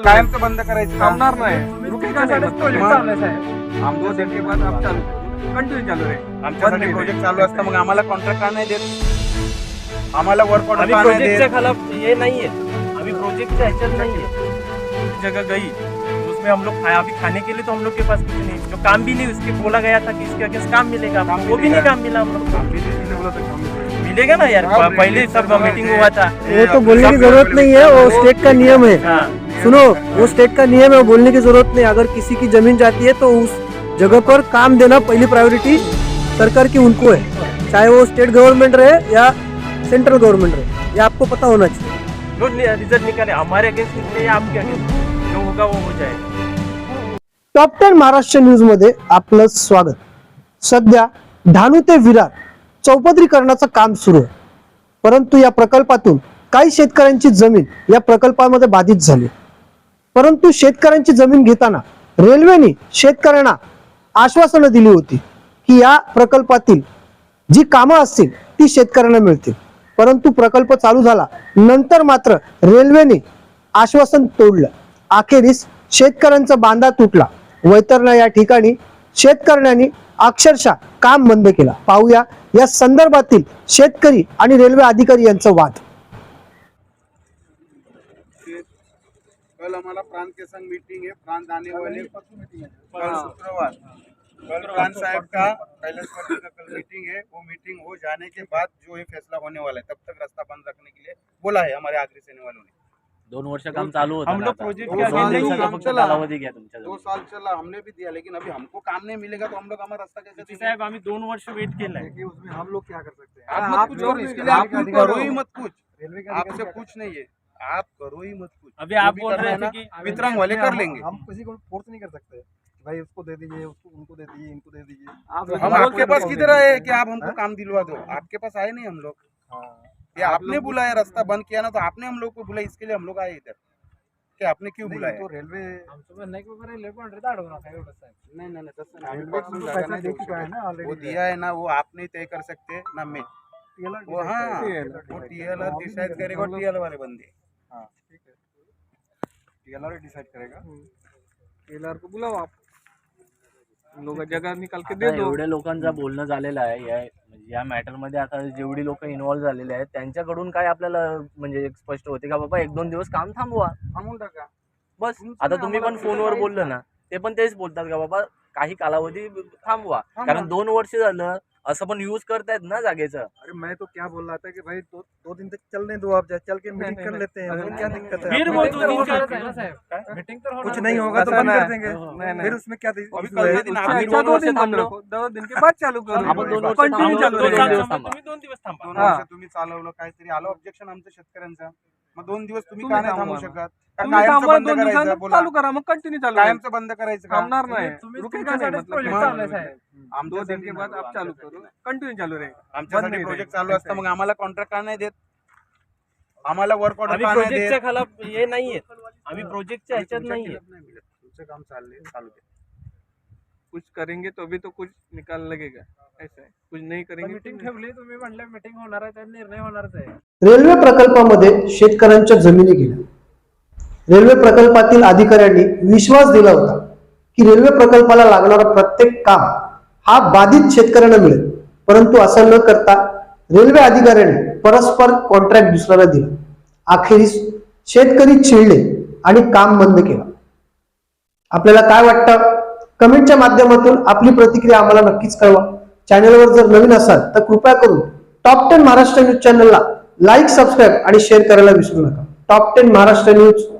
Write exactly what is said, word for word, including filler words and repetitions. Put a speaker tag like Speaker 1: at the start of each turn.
Speaker 1: कायमचं बंद करायचं का?
Speaker 2: थांबणार नाही, रुकेगा नाही प्रोजेक्ट चालू आहे साहेब.
Speaker 1: हम दो दिन के बाद आप चालू
Speaker 2: कंटिन्यू चालू आहे.
Speaker 1: आमच्यासाठी प्रोजेक्ट चालू असतं मग आम्हाला कॉन्ट्रॅक्ट का नाही देत? आम्हाला वर्क ऑर्डर
Speaker 3: अभी
Speaker 1: का नाही
Speaker 3: प्रोजेक्ट से
Speaker 1: देत?
Speaker 3: खिलाफ ये नहीं है, अभी प्रोजेक्ट से ऐसा नहीं है. जगह गई उसमें हम लोग खाया, अभी खाने के लिए तो हम लोग के पास कुछ नहीं, जो काम भी नहीं उसके बोला गया था कि इसके अगेंस्ट काम मिलेगा,
Speaker 1: काम
Speaker 3: वो भी
Speaker 1: मिलेगा।
Speaker 3: नहीं काम मिला हम लोग को.
Speaker 2: बोला था काम मिलेगा.
Speaker 3: मिलेगा ना यार,
Speaker 1: हाँ,
Speaker 3: पहले सब मीटिंग हुआ था.
Speaker 4: वो तो बोलने की जरूरत नहीं है, वो स्टेट का नियम है.
Speaker 3: हाँ,
Speaker 4: सुनो, वो स्टेट का नियम है, वो बोलने की जरूरत नहीं. अगर किसी की जमीन जाती है तो उस जगह पर काम देना पहली प्रायोरिटी सरकार की उनको है, चाहे वो स्टेट गवर्नमेंट रहे या सेंट्रल गवर्नमेंट रहे. ये आपको पता होना चाहिए.
Speaker 3: जो रिजल्ट निकाले हमारे अगेंस्ट निकले या आपके अगेंस्ट, जो होगा वो हो जाएगा.
Speaker 4: टॉप टेन महाराष्ट्र न्यूज मध्ये आपलं स्वागत. सध्या धानू ते विरार चौपदरीकरणाचं काम सुरू आहे, परंतु या प्रकल्पातून काही शेतकऱ्यांची जमीन या प्रकल्पामध्ये बाधित झाली. परंतु शेतकऱ्यांची जमीन घेताना रेल्वेने शेतकऱ्यांना आश्वासनं दिली होती की या प्रकल्पातील जी कामं असतील ती शेतकऱ्यांना मिळतील. परंतु प्रकल्प चालू झाला नंतर मात्र रेल्वेने आश्वासन तोडलं. अखेरीस शेतकऱ्यांचा बांधा तुटला. वैतरणा या ठिकाणी शेतकऱ्यांनी अक्षरशः काम बंद केला. पाहूया या संदर्भातील शेतकरी आणि रेल्वे अधिकारी यांचा वाद.
Speaker 1: कल हमारा प्रांत के संग मीटिंग है, प्रांत आने वाले कल शुक्रवार, कल प्रांत साहब का कैलाश पर्वत का कल मीटिंग है. वो मीटिंग हो जाने के बाद जो ये फैसला होने वाला है, तब तक रास्ता बंद रखने के लिए बोला है हमारे आगरी सेने वालों ने.
Speaker 3: दोन वर्ष काम चालू होतं
Speaker 1: हम
Speaker 3: ना
Speaker 1: लोग
Speaker 3: आता.
Speaker 1: प्रोजेक्ट
Speaker 3: दो
Speaker 1: के
Speaker 3: साल
Speaker 1: आगे
Speaker 3: दिवसाचा
Speaker 1: काम
Speaker 3: फक्त
Speaker 1: चला.
Speaker 3: कालावधी घ्या तुमच्या
Speaker 1: दो साल चला, हमने भी दिया, लेकिन अभी हमको काम नहीं मिलेगा तो हम लोग हमारा रास्ता कैसे देंगे?
Speaker 3: साहेब आम्ही दोन वर्ष वेट केलाय.
Speaker 2: उसमें हम लोग क्या कर सकते हैं?
Speaker 1: आप मत कुछ करो, इसके लिए आप करो ही मत कुछ. आपसे कुछ नहीं है, आप करो ही मत कुछ.
Speaker 3: अभी
Speaker 1: जो
Speaker 3: आप
Speaker 1: भी
Speaker 3: बोल
Speaker 1: करना
Speaker 3: रहे
Speaker 1: है
Speaker 3: थे
Speaker 1: ना,
Speaker 3: कि
Speaker 1: वितरण वाले कर लेंगे.
Speaker 2: हम किसी को फोर्स नहीं कर सकते भाई, उसको दे दीजिए, उसको उनको दे दीजिए, इनको दे दीजिए.
Speaker 1: तो हम आपके पास किधर आए कि आप हमको काम दिलवा दो? आपके पास आए नहीं हम लोग. ये आपने बुलाया, रास्ता बंद किया ना तो आपने हम लोग को बुलाया, इसके लिए हम लोग आए इधर. कि आपने क्यों बुलाया?
Speaker 2: तो रेल्वे
Speaker 1: नहीं नहीं नहीं, तसं नाही.
Speaker 2: रेल्वे
Speaker 1: आम्ही
Speaker 2: को
Speaker 1: जागा
Speaker 2: पैसा
Speaker 1: नाही
Speaker 2: दे
Speaker 1: देऊ
Speaker 2: चुका है
Speaker 1: शकत.
Speaker 2: ना
Speaker 1: वो
Speaker 2: ऑलरेडी.
Speaker 1: दिया है ना, वो आप नहीं तय कर सकते ना मैं. वो हाँ, वो टीएलआर डिसाइड करेगा, टीएल वाले बंदे.
Speaker 2: हाँ ठीक है, टीएलआर डिसाइड करेगा. टीएलआर को बुलाओ आप, उन लोग जगह निकाल के दे
Speaker 3: आता
Speaker 2: दो.
Speaker 3: एवढ्या लोकांचं बोलणं झालेलं आहे या म्हणजे या मॅटर मध्ये. आता जेवढी लोक इन्व्हॉल्व झालेले आहेत त्यांच्याकडून काय आपल्याला म्हणजे एक स्पष्ट होते का बाबा एक दोन दिवस काम थांबवा
Speaker 1: थांबून टाका.
Speaker 3: बस. आता तुम्ही पण फोनवर बोललं ना, ते पण तेच बोलतात का बाबा काही कालावधी थांबवा, कारण दोन वर्ष झालं असं पण यूज करतायत ना जागेचं.
Speaker 2: अरे मैं तो क्या बोल रहा था कि भाई दो दो दिन तक चलने दो, आप चल के मीटिंग कर लेते हैं, उसमें क्या दिक्कत है?
Speaker 3: फिर
Speaker 2: आप
Speaker 3: वो
Speaker 2: meeting
Speaker 3: दो दिन
Speaker 2: करो.
Speaker 3: का
Speaker 5: मीटिंग तर
Speaker 2: कुछ नहीं होगा तो बंद कर देंगे. फिर उसमें क्या
Speaker 1: अभी
Speaker 2: issue
Speaker 1: कल
Speaker 2: है?
Speaker 1: के दिन
Speaker 2: अच्छा,
Speaker 1: आप
Speaker 2: अच्छा,
Speaker 3: दोन
Speaker 2: दो
Speaker 3: वर्ष
Speaker 2: दिन बंद
Speaker 3: थांबलो.
Speaker 2: रखो, दो दिन के बाद चालू करो.
Speaker 3: आपण दोन वर्ष
Speaker 2: कंटिन्यू
Speaker 3: थांबलो,
Speaker 2: चालू
Speaker 3: दोन
Speaker 2: रहेगा.
Speaker 3: दिवस थांबा.
Speaker 5: दोन दिवस थांबा.
Speaker 1: दोन
Speaker 2: हा.
Speaker 1: वर्ष तुम्ही चालवलं, काहीतरी आलं ऑब्जेक्शन आमचं शेतकऱ्यांचं, मग दोन दिवस तुम्ही
Speaker 2: तुम्ही
Speaker 1: का नाही थांबू
Speaker 2: थांबवा.
Speaker 1: शकत? का
Speaker 2: तुम्ही
Speaker 1: कायमचं
Speaker 2: थांबा,
Speaker 1: बंद
Speaker 2: दोन
Speaker 1: करायचं?
Speaker 2: दिवसांनी
Speaker 1: बोला,
Speaker 2: चालू करा, मग कंटिन्यू चालू राहील.
Speaker 1: कायमचं बंद करायचं का?
Speaker 2: थांबणार नाही,
Speaker 5: तुम्ही
Speaker 2: रुकेगा नाही.
Speaker 5: तुमच्यासाठीच
Speaker 2: मतलब
Speaker 5: प्रोजेक्ट चालू आहे साहेब.
Speaker 2: दो
Speaker 1: आमच्यासाठी
Speaker 2: दिन के बाद आप चालू करो, कंटिन्यू चालू रहेगा.
Speaker 1: आमच्यासाठी
Speaker 2: बंद
Speaker 1: प्रोजेक्ट
Speaker 2: नाही
Speaker 1: चालू असतं, मग आम्हाला कॉन्ट्रॅक्ट का नाही देत? आम्हाला वर्क ऑर्डर
Speaker 3: आम्ही
Speaker 1: का नाही
Speaker 3: प्रोजेक्टच्या
Speaker 1: देत?
Speaker 3: खिलाफ हे नाहीये, आम्ही प्रोजेक्टच्या ह्याच्यात नाहीये.
Speaker 1: तुमचं काम चाललंय, चालू दे.
Speaker 2: कुछ करेंगे तो भी तो कुछ निकाल लगेगा, ऐसा है. कुछ नहीं करेंगे
Speaker 5: मीटिंग
Speaker 2: तो
Speaker 5: ठेवली तुम्ही म्हणलं मीटिंग होणार आहे, त्यात निर्णय होणारच आहे.
Speaker 4: रेल्वे प्रकल्पामध्ये शेतकऱ्यांच्या जमिनी गेल्या. रेल्वे प्रकल्पातील अधिकाऱ्यांनी विश्वास दिला होता की रेल्वे प्रकल्पाला लागणारा प्रत्येक काम हा बाधित शेतकऱ्यांना मिळेल, परंतु असं न करता रेल्वे अधिकाऱ्यांनी परस्पर कॉन्ट्रॅक्ट दुसऱ्याला दिला. अखेरीस शेतकरी चिडले आणि काम बंद केलं. आपल्याला काय वाटतं? कमेंटच्या माध्यमातून आपली प्रतिक्रिया आम्हाला नक्कीच कळवा. चॅनलवर जर नवीन असाल तर कृपया करून टॉप टेन महाराष्ट्र न्यूज चॅनलला लाईक, सबस्क्राईब आणि शेअर करायला विसरू नका. Top ten Maharashtra news